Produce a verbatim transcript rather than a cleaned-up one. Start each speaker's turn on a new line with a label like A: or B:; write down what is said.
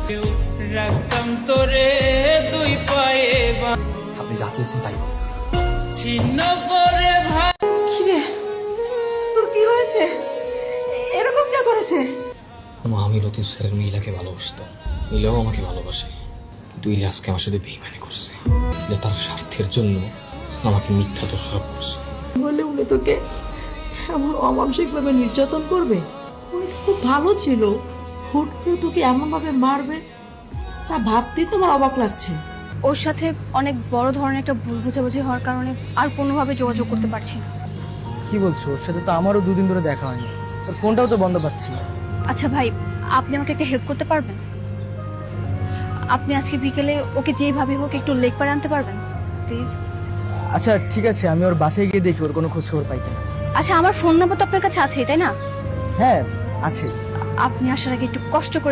A: রাখতাম তোরে দুই পায়ে
B: আপনি যা চেয়েছেন তাই হবে স্যার।
A: ছিন্ন করে ভাই।
C: কিরে তোর কি হয়েছে? এরকম কে করেছে?
B: আমি লতিফ স্যারের মিলাকে ভালোবাসতাম, মিলাও আমাকে ভালোবাসে, কিন্তু ইলা আজকে আমার সাথে বেইমানি করছে। ইলা তার স্বার্থের জন্য আমাকে মিথ্যা দোষারোপ করছে।
C: বলে উনি তোকে এমন অমানসিক ভাবে নির্যাতন করবে? উনি তো খুব ভালো ছিল, হুট করে তোকে এমন ভাবে মারবে তা ভাবতেই তোমার অবাক লাগছে।
D: ওর সাথে অনেক বড় ধরনের একটা ভুল বোঝাবুঝি হওয়ার কারণে আর কোনোভাবে যোগাযোগ করতে পারছি না।
E: কি বলছো? ওর সাথে তো আমারও দুদিন ধরে দেখা হয়নি, ওর ফোনটাও তো বন্ধ পাচ্ছি।
D: আচ্ছা ভাই, আপনি আমাকে একটা হেল্প করতে পারবেন? আপনি আজকে বিকেলে ওকে যেভাবে হোক একটু লেক পাড়ে আনতে পারবেন প্লিজ?
E: আচ্ছা ঠিক আছে, আমি ওর বাসায় গিয়ে দেখি ওর কোনো খোঁজ খবর পাই কিনা।
D: আচ্ছা, আমার ফোন নাম্বার তো আপনার কাছে আছেই তাই না?
E: হ্যাঁ আছে।
D: আপনি আসার আগে একটু কষ্ট করে